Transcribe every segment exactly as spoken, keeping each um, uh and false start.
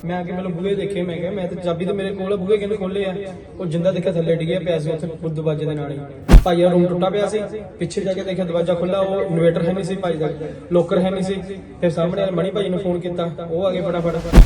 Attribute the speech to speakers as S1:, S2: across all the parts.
S1: मैं आके मतलब बूहे देखे, मैं क्या मैं तो चाबी तो मेरे कोल बूहे किने खोले आ, ਉਹ ਜਿੰਦਾ ਦੇਖਿਆ ਥੱਲੇ ਡਿੱਗਿਆ ਪਿਆ ਸੀ ਉੱਥੇ ਖੁਦ ਦਰਵਾਜ਼ੇ ਦੇ ਨਾਲ ਹੀ। ਭਾਈ ਦਾ ਰੂਮ ਟੁੱਟਾ ਪਿਆ ਸੀ, ਪਿੱਛੇ ਜਾ ਕੇ ਦੇਖਿਆ ਦਰਵਾਜ਼ਾ ਖੁੱਲਾ, ਉਹ ਇਨਵੇਟਰ ਹੈ ਨਹੀਂ ਸੀ ਭਾਈ ਦਾ, ਲੋਕਰ ਹੈ ਨਹੀਂ ਸੀ। ਫਿਰ ਸਾਹਮਣੇ ਵਾਲੇ ਮਣੀ ਭਾਈ ਨੂੰ ਫੋਨ ਕੀਤਾ, ਉਹ ਆ ਗਏ ਫਟਾਫਟ।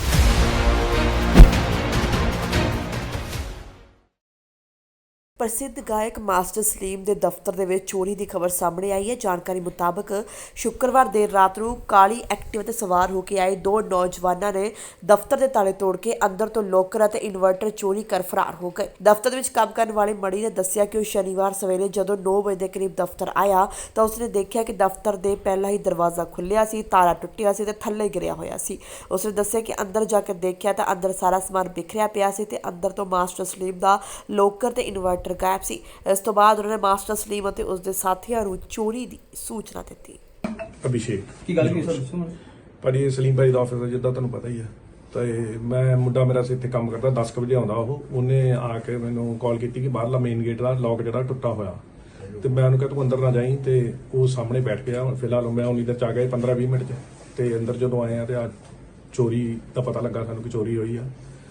S2: ਪ੍ਰਸਿੱਧ ਗਾਇਕ ਮਾਸਟਰ ਸਲੀਮ ਦੇ ਦਫ਼ਤਰ ਦੇ ਵਿੱਚ ਚੋਰੀ ਦੀ ਖਬਰ ਸਾਹਮਣੇ ਆਈ ਹੈ। ਜਾਣਕਾਰੀ ਮੁਤਾਬਕ ਸ਼ੁੱਕਰਵਾਰ ਦੇਰ ਰਾਤ ਨੂੰ ਕਾਲੀ ਐਕਟਿਵਾ ਤੇ ਸਵਾਰ ਹੋ ਕੇ ਆਏ ਦੋ ਨੌਜਵਾਨਾਂ ਨੇ ਦਫ਼ਤਰ ਦੇ ਤਾਲੇ ਤੋੜ ਕੇ ਅੰਦਰ ਤੋਂ ਲੋਕਰ ਅਤੇ ਇਨਵਰਟਰ ਚੋਰੀ ਕਰ ਫਰਾਰ ਹੋ ਗਏ। ਦਫ਼ਤਰ ਦੇ ਵਿੱਚ ਕੰਮ ਕਰਨ ਵਾਲੇ ਮਣੀ ਨੇ ਦੱਸਿਆ ਕਿ ਉਹ ਸ਼ਨੀਵਾਰ ਸਵੇਰੇ ਜਦੋਂ ਨੌ ਵਜੇ ਦੇ ਕਰੀਬ ਦਫ਼ਤਰ ਆਇਆ ਤਾਂ ਉਸਨੇ ਦੇਖਿਆ ਕਿ ਦਫ਼ਤਰ ਦੇ ਪਹਿਲਾਂ ਹੀ ਦਰਵਾਜ਼ਾ ਖੁੱਲਿਆ ਸੀ, ਤਾਲਾ ਟੁੱਟਿਆ ਸੀ ਤੇ ਥੱਲੇ ਗਿਰਿਆ ਹੋਇਆ ਸੀ। ਉਸਨੇ ਦੱਸਿਆ ਕਿ ਅੰਦਰ ਜਾ ਕੇ ਦੇਖਿਆ ਤਾਂ ਅੰਦਰ ਸਾਰਾ ਸਮਾਨ ਬਿਖਰਿਆ ਪਿਆ ਸੀ ਤੇ ਅੰਦਰ ਤੋਂ ਮਾਸਟਰ ਸਲੀਮ ਦਾ ਲੋਕਰ ਤੇ ਇਨਵਰਟਰ ਗਾਇਬ ਸੀ। ਇਸ ਤੋਂ ਬਾਅਦ ਉਹਨਾਂ ਨੇ ਮਾਸਟਰ ਸਲੀਮ ਅਤੇ ਉਸਦੇ ਸਾਥੀਆਂ ਨੂੰ ਚੋਰੀ ਦੀ ਸੂਚਨਾ ਦਿੱਤੀ।
S3: ਅਭਿਸ਼ੇਕ
S1: ਕੀ ਗੱਲ ਕੀ ਸਰ ਦੱਸੋ।
S3: ਭਾਜੀ ਸਲੀਮ ਭਾਈ ਦਾ ਆਫਿਸ ਹੈ, ਜਿੱਦਾਂ ਤੁਹਾਨੂੰ ਪਤਾ ਹੀ ਹੈ। ਤੇ ਮੈਂ ਮੁੰਡਾ ਮੇਰਾ ਇੱਥੇ ਕੰਮ ਕਰਦਾ, ਦਸ ਕੁ ਵਜੇ ਆਉਂਦਾ ਉਹ। ਉਹਨੇ ਆ ਕੇ ਮੈਨੂੰ ਕਾਲ ਕੀਤੀ ਕਿ ਬਾਹਰਲਾ ਮੇਨ ਗੇਟ ਦਾ ਲੌਕ ਜਿਹੜਾ ਟੁੱਟਾ ਹੋਇਆ, ਤੇ ਮੈਂ ਉਹਨੂੰ ਕਿਹਾ ਤੂੰ ਅੰਦਰ ਨਾ ਜਾਈਂ। ਤੇ ਉਹ ਸਾਹਮਣੇ ਬੈਠ ਗਿਆ। ਫਿਲਹਾਲ ਮੈਂ ਉਨੀ ਦੇਰ ਚ ਆ ਗਿਆ ਪੰਦਰਾਂ ਵੀਹ ਮਿੰਟ ਚ। ਤੇ ਅੰਦਰ ਜਦੋਂ ਆਏ ਆ ਤੇ ਆ ਚੋਰੀ ਦਾ ਪਤਾ ਲੱਗਾ ਸਾਨੂੰ ਕਿ ਚੋਰੀ ਹੋਈ ਆ।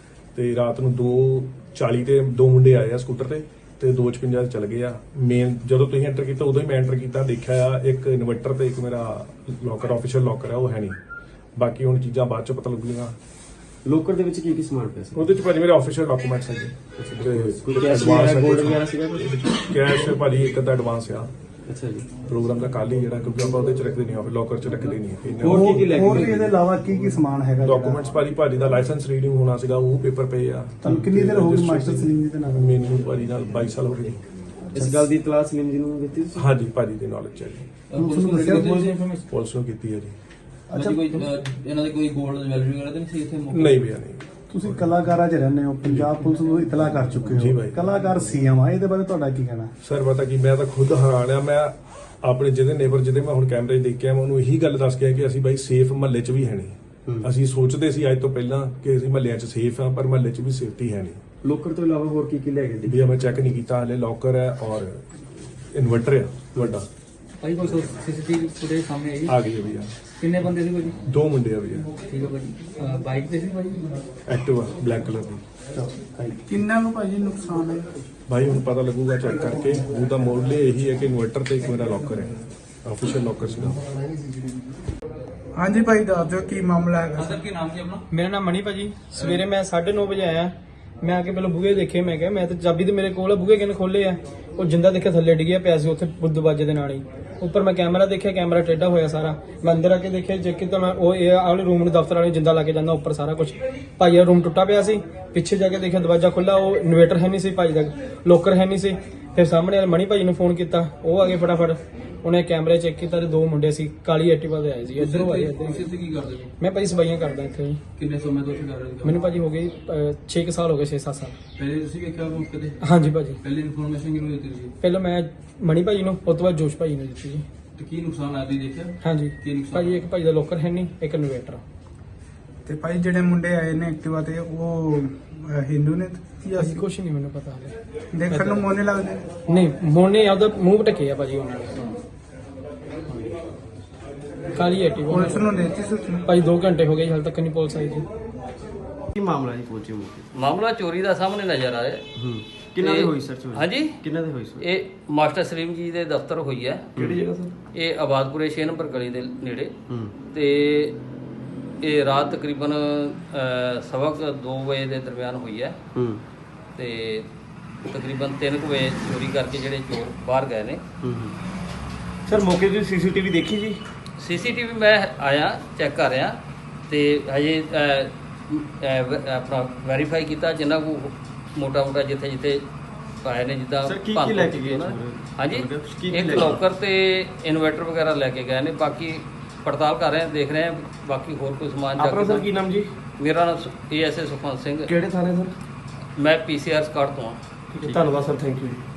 S3: ਤੇ ਰਾਤ ਨੂੰ ਦੋ ਚਾਲੀ ਤੇ ਦੋ ਮੁੰਡੇ ਆਏ ਆ ਸਕੂਟਰ ਤੇ ਤੇ ਦੋ ਛਪੰਜਾ ਚਲ ਗਏ ਆ। ਮੇਨ ਜਦੋਂ ਤੁਸੀਂ ਐਂਟਰ ਕੀਤਾ ਉਦੋਂ ਹੀ ਮੈਂ ਐਂਟਰ ਕੀਤਾ, ਦੇਖਿਆ ਆ ਇੱਕ ਇਨਵਰਟਰ ਤੇ ਇੱਕ ਮੇਰਾ ਲੋਕਰ ਆਫੀਸ਼ੀਅਲ ਲੋਕਰ ਆ, ਉਹ ਹੈ ਨਹੀਂ। ਬਾਕੀ ਹੁਣ ਚੀਜ਼ਾਂ ਬਾਅਦ ਚ ਪਤਾ ਲੱਗੂਗੀਆਂ।
S4: ਲੋਕਰ ਦੇ ਵਿੱਚ ਕੀ ਕੀ ਸਮਾਨ ਪਿਆ ਸੀ?
S3: ਉਹਦੇ ਚ ਭਾਜੀ ਮੇਰੇ ਆਫੀਸ਼ੀਅਲ ਡਾਕੂਮੈਂਟਸ ਹੈਗੇ,
S4: ਕੋਈ ਕੈਸ਼ ਵਗੈਰਾ ਗੋਲਡ ਵਗੈਰਾ ਸੀਗਾ?
S3: ਕੈਸ਼ ਭਾਜੀ ਇੱਕ ਅੱਧਾ ਐਡਵਾਂਸ ਆ।
S4: ਅੱਛਾ ਜੀ।
S3: ਪ੍ਰੋਗਰਾਮ ਦਾ ਕੱਲ ਹੀ ਜਿਹੜਾ, ਕਿਉਂਕਿ ਆਪਾਂ ਉਹਦੇ ਚ ਰੱਖਦੇ ਨਹੀਂ, ਆਫਿਸ ਲੋਕਰ ਚ ਰੱਖਦੇ ਨਹੀਂ।
S4: ਹੋਰ ਕੀ ਕੀ ਲੈ
S5: ਹੋਰ
S4: ਕੇ
S5: ਵੀ ਇਹਦੇ ਇਲਾਵਾ ਕੀ ਕੀ ਸਮਾਨ ਹੈਗਾ?
S3: ਡਾਕੂਮੈਂਟਸ ਭਾਜੀ ਭਾਜੀ ਦਾ ਲਾਇਸੈਂਸ ਰੀਡਿੰਗ ਹੋਣਾ ਸੀਗਾ, ਉਹ ਪੇਪਰ ਪਏ ਆ।
S5: ਤੁਹਾਨੂੰ ਕਿੰਨੀ ਦੇਰ ਹੋ ਗਈ ਮਾਸਟਰ ਸਲੀਮ ਜੀ ਦੇ ਨਾਲ?
S3: ਮੈਨੂੰ ਭਾਜੀ ਨਾਲ ਬਾਈ ਸਾਲ ਹੋ ਗਏ।
S4: ਇਸ ਗੱਲ ਦੀ ਇਤਲਾਹ ਸਲੀਮ ਜੀ ਨੂੰ ਦਿੱਤੀ ਤੁਸੀਂ?
S3: ਹਾਂਜੀ ਭਾਜੀ ਦੀ ਨੌਲੇਜ ਹੈ ਜੀ,
S5: ਪੁਲਿਸ ਨੂੰ ਦੱਸਿਆ?
S3: ਪੁਲਿਸ ਨੂੰ ਕੀਤੀ ਹੈ ਜੀ।
S5: ਅੱਛਾ,
S6: ਕੋਈ ਇਹਨਾਂ ਦੇ ਕੋਈ ਗੋਲਡ ਜਵੈਲਰੀ ਵਗੈਰਾ ਤਾਂ ਨਹੀਂ ਸੀ ਇੱਥੇ?
S3: ਨਹੀਂ ਭਈਆ ਨਹੀਂ।
S5: ਤੁਸੀਂ ਕਲਾਕਾਰਾਂ 'ਚ ਰਹਿੰਦੇ ਹੋ, ਪੰਜਾਬ ਪੁਲਿਸ ਨੂੰ ਇਤਲਾਹ ਕਰ ਚੁੱਕੇ
S3: ਜੀ
S5: ਹੋ,
S3: ਬਾਈ।
S5: ਕਲਾਕਾਰ ਸੀਐਮ ਆ, ਇਹਦੇ ਬਾਰੇ ਤੁਹਾਡਾ ਕੀ ਕਹਿਣਾ?
S3: ਸਰ ਪਤਾ ਕੀ, ਮੈਂ ਤਾਂ ਖੁਦ ਹੈਰਾਨ ਆ। ਮੈਂ ਆਪਣੇ ਜਿਹਦੇ ਨੇਬਰ ਜਿਹਦੇ ਮੈਂ ਹੁਣ ਕੈਮਰੇ 'ਚ ਦੇਖਿਆ, ਮੈਂ ਉਹਨੂੰ ਇਹੀ ਗੱਲ ਦੱਸ ਕੇ ਆਇਆ ਕਿ ਅਸੀਂ ਬਾਈ ਸੇਫ ਮਹੱਲੇ 'ਚ ਵੀ ਹੈ ਨਹੀਂ। ਅਸੀਂ ਸੋਚਦੇ ਸੀ ਅੱਜ ਤੋਂ ਪਹਿਲਾਂ ਕਿ ਅਸੀਂ ਮਹੱਲਿਆਂ 'ਚ ਸੇਫ ਆ, ਪਰ ਮਹੱਲੇ 'ਚ ਵੀ ਸੇਫਟੀ ਹੈ ਨਹੀਂ।
S4: ਲੋਕਰ ਤੋਂ ਇਲਾਵਾ ਹੋਰ ਕੀ ਕੀ ਲੈ ਗਏ?
S3: ਭਈਆ ਮੈਂ ਚੈੱਕ ਨਹੀਂ ਕੀਤਾ ਹਲੇ। ਲੋਕਰ ਹੈ ਔਰ ਇਨਵਰਟਰ ਹੈ ਵੱਡਾ।
S6: ਭਾਈ ਕੋਈ ਸੀਸੀਟੀਵੀ ਫੁਟੇਜ ਸਾਹਮਣੇ ਆਈ?
S3: ਆ ਗਈ ਹੈ ਭਈਆ।
S6: ਕਿੰਨੇ ਬੰਦੇ ਸੀ ਭਾਜੀ?
S3: ਦੋ ਮੁੰਡੇ ਆ ਭਈਆ।
S6: ਠੀਕ ਹੈ ਭਾਜੀ। ਬਾਈਕ ਤੇ ਸੀ ਭਾਜੀ?
S3: ਐਕਟਿਵਾ ਬਲੈਕ ਕਲਰ ਦੀ।
S5: ਕਿੰਨਾ ਨੂੰ ਭਾਜੀ ਨੁਕਸਾਨ ਹੈ?
S3: ਭਾਈ ਹੁਣ ਪਤਾ ਲੱਗੂਗਾ ਚੈੱਕ ਕਰਕੇ। ਉਹਦਾ ਮੋਡਲ ਇਹੀ ਹੈ ਕਿ ਇਨਵਰਟਰ ਤੇ ਇੱਕ ਮੇਰਾ ਲੋਕਰ ਹੈ, ਆਫੀਸ਼ੀਅਲ ਲੋਕਰ ਸੀਗਾ।
S5: ਹਾਂਜੀ ਭਾਈ ਦੱਸ ਦਿਓ ਕੀ ਮਾਮਲਾ ਹੈਗਾ?
S6: ਸਰ ਕੀ ਨਾਮ ਸੀ ਆਪਣਾ?
S1: ਮੇਰਾ ਨਾਮ ਮਣੀ ਭਾਜੀ। ਸਵੇਰੇ ਮੈਂ ਸਾਢੇ ਨੌ ਵਜੇ ਆਇਆ, ਮੈਂ ਆ ਕੇ ਪਹਿਲਾਂ ਬੂਹੇ ਦੇਖੇ, ਮੈਂ ਕਿਹਾ ਮੈਂ ਤਾਂ ਚਾਬੀ ਤੇ ਮੇਰੇ ਕੋਲ ਬੂਹੇ ਕਿਨੇ ਖੋਲੇ ਆ, ਉਹ ਜਿੰਦਾ ਦੇਖਿਆ ਥੱਲੇ ਡਿੱਗਿਆ ਪਿਆ ਸੀ ਉੱਥੇ ਖੁਦ ਦਰਵਾਜ਼ੇ ਦੇ ਨਾਲ ਹੀ। ਉੱਪਰ ਮੈਂ ਕੈਮਰਾ ਦੇਖਿਆ, ਕੈਮਰਾ ਟੇਢਾ ਹੋਇਆ ਸਾਰਾ। ਮੈਂ ਅੰਦਰ ਆ ਕੇ ਦੇਖਿਆ, ਚੈੱਕ ਕੀਤਾ ਮੈਂ, ਉਹ ਇਹ ਆਲੇ ਰੂਮ ਨੂੰ ਦਫ਼ਤਰ ਵਾਲੇ ਜਿੰਦਾ ਲਾ ਕੇ ਜਾਂਦਾ ਉੱਪਰ ਸਾਰਾ ਕੁਝ। ਭਾਈ ਦਾ ਰੂਮ ਟੁੱਟਾ ਪਿਆ ਸੀ, ਪਿੱਛੇ ਜਾ ਕੇ ਦੇਖਿਆ ਦਰਵਾਜ਼ਾ ਖੁੱਲਾ, ਉਹ ਇਨਵੇਟਰ ਹੈ ਨਹੀਂ ਸੀ ਭਾਈ ਦਾ, ਲੋਕਰ ਹੈ ਨਹੀਂ ਸੀ। ਫਿਰ ਸਾਹਮਣੇ ਵਾਲੇ ਮਣੀ ਭਾਈ ਨੂੰ ਫੋਨ ਕੀਤਾ, ਉਹ ਆ ਗਏ ਫਟਾਫਟ। ਉਹਨੇ ਕੈਮਰੇ ਚੈੱਕ ਕੀਤਾ ਤੇ ਦੋ ਮੁੰਡੇ ਸੀ ਕਾਲੀ ਐਕਟਿਵਾ ਤੇ ਆਏ ਸੀ, ਇੱਧਰੋਂ ਆਏ ਇੱਧਰ।
S6: ਤੁਸੀਂ ਇੱਥੇ ਕੀ ਕਰਦੇ ਹੋ?
S1: ਮੈਂ ਭਾਜੀ ਸਫਾਈਆਂ ਕਰਦਾ ਇੱਥੇ ਜੀ।
S6: ਕਿੰਨੇ ਸਮੇਂ ਤੋਂ ਇੱਥੇ ਕਰ ਰਹੇ ਹੋ?
S1: ਮੈਨੂੰ ਭਾਜੀ ਹੋ ਗਈ ਛੇ ਕੁ ਸਾਲ ਹੋ ਗਏ, ਛੇ ਸੱਤ ਸਾਲ।
S6: ਪਹਿਲੇ ਤੁਸੀਂ ਵੇਖਿਆ ਮੌਕੇ ਤੇ?
S1: ਹਾਂਜੀ ਭਾਜੀ।
S6: ਪਹਿਲੀ ਇਨਫੋਰਮੇਸ਼ਨ ਕਿਹਨੂੰ ਦਿੱਤੀ ਸੀ?
S1: ਪਹਿਲਾਂ ਮੈਂ ਮਣੀ ਭਾਜੀ ਨੂੰ, ਉਸ ਤੋਂ ਬਾਅਦ ਜੋਸ਼ ਭਾਜੀ ਨੂੰ ਦਿੱਤੀ ਜੀ।
S6: ਤੇ ਕੀ ਨੁਕਸਾਨ ਆਇਆ ਤੁਸੀਂ ਦੇਖਿਆ?
S1: ਹਾਂਜੀ
S6: ਕੀ ਨੁਕਸਾਨ?
S1: ਭਾਜੀ ਇੱਕ ਭਾਜੀ ਦਾ ਲੋਕਰ ਹੈ ਨਹੀਂ, ਇੱਕ ਇਨਵੇਟਰ।
S5: ਤੇ ਭਾਈ ਜਿਹੜੇ ਮੁੰਡੇ ਆਏ ਨੇ ਐਕਟਿਵਾ ਤੇ, ਉਹ ਅਹ, ਹਿੰਦੂ ਨੇ ਜਾਂ
S1: ਭਾਜੀ ਕੁਛ ਨਹੀਂ ਮੈਨੂੰ ਪਤਾ ਹਲੇ।
S5: ਦੇਖਣ ਨੂੰ ਮੋਨੇ ਲੱਗਦੇ ਨੇ?
S1: ਨਹੀਂ ਮੋਨੇ ਆਪਦਾ ਮੂੰਹ ਢੱਕਿਆ ਭਾਜੀ ਉਹਨਾਂ ਨੇ। ਕਾਲੀ ਐਕਟਿਵਾ
S5: ਪੁਲਿਸ ਨੂੰ ਦੇਤੀ ਸੂਚਨਾ?
S1: ਭਾਜੀ ਦੋ ਘੰਟੇ ਹੋ ਗਏ, ਹਾਲੇ ਤੱਕ ਨਹੀਂ ਪੁਲਿਸ ਆਈ ਜੀ।
S4: ਕੀ ਮਾਮਲਾ ਜੀ ਪਹੁੰਚੇ ਮੌਕੇ?
S7: ਮਾਮਲਾ ਚੋਰੀ ਦਾ ਸਾਹਮਣੇ ਨਜ਼ਰ ਆ ਰਿਹਾ।
S4: ਹੂੰ। ਕਿੰਨਾ ਦੇ
S7: ਇਹ-
S4: ਹੋਈ ਸਰ ਚੋਰੀ?
S7: ਹਾਂਜੀ
S4: ਕਿੰਨਾ ਦੇ ਹੋਈ ਸਰ?
S7: ਇਹ ਮਾਸਟਰ ਸਲੀਮ ਜੀ ਦੇ ਦਫ਼ਤਰ ਹੋਈ ਹੈ।
S4: ਕਿਹੜੀ ਜਗ੍ਹਾ ਸਰ?
S7: ਇਹ ਆਬਾਦਪੁਰੇ ਛੇ ਨੰਬਰ ਗਲੀ ਦੇ ਨੇੜੇ।
S4: ਹੂੰ।
S7: ਤੇ ਇਹ ਰਾਤ ਤਕਰੀਬਨ ਅਹ, ਸਵਾ ਕੁ ਦੋ ਵਜੇ ਦੇ ਦਰਮਿਆਨ ਹੋਈ ਹੈ।
S4: ਹੂੰ।
S7: ਤੇ ਤਕਰੀਬਨ ਤਿੰਨ ਕੁ ਵਜੇ ਚੋਰੀ ਕਰਕੇ ਜਿਹੜੇ ਚੋਰ ਬਾਹਰ ਗਏ ਨੇ।
S4: ਹੂੰ। ਸਰ ਮੌਕੇ ਦੀ ਸੀਸੀਟੀਵੀ ਦੇਖੀ ਜੀ?
S7: ਸੀਸੀਟੀਵੀ ਮੈਂ ਆਇਆ ਚੈੱਕ ਕਰ ਰਿਹਾ ਤੇ ਹਜੇ ਅਹ, ਅਹ, ਵ- ਆਪਣਾ ਵੈਰੀਫਾਈ ਕੀਤਾ ਜਿੰਨਾ ਕੋ ਮੋਟਾ ਮੋਟਾ ਜਿੱਥੇ ਜਿੱਥੇ ਪਾਏ ਨੇ, ਜਿੱਦਾਂ
S4: Sir, ਕੀ- ਕੀ
S7: ਭੰਨ
S4: ਲੈ ਕੇ ਗਏ
S7: ਉਹਨਾਂ ਨੇ।
S4: ਚੋਰ?
S7: ਹਾਂਜੀ
S4: ਕੀ- ਕੀ
S7: ਇੱਕ
S4: ਲੈ ਕੇ
S7: ਲੋਕਰ ਤੇ ਇਨਵਰਟਰ ਵਗੈਰਾ ਲੈ ਕੇ ਗਏ ਨੇ। ਬਾਕੀ ਪੜਤਾਲ ਕਰ ਰਹੇ ਹਾਂ, ਦੇਖ ਰਹੇ ਹਾਂ ਬਾਕੀ ਹੋਰ ਕੋਈ ਸਮਾਨ
S4: ਆਪਣਾ ਸਰ
S7: ਜਾ
S4: ਕੀ ਨਾਮ ਜੀ?
S7: ਮੇਰਾ ਨਾਮ A S A Sukhwant Singh.
S4: ਕਿਹੜੇ ਥਾਣੇ ਸਰ?
S7: ਮੈਂ ਪੀ ਸੀ ਆਰ ਸਕਾਟ ਤੋਂ ਹਾਂ।
S4: ਠੀਕ ਹੈ, ਧੰਨਵਾਦ ਸਰ, ਥੈਂਕ ਯੂ ਜੀ।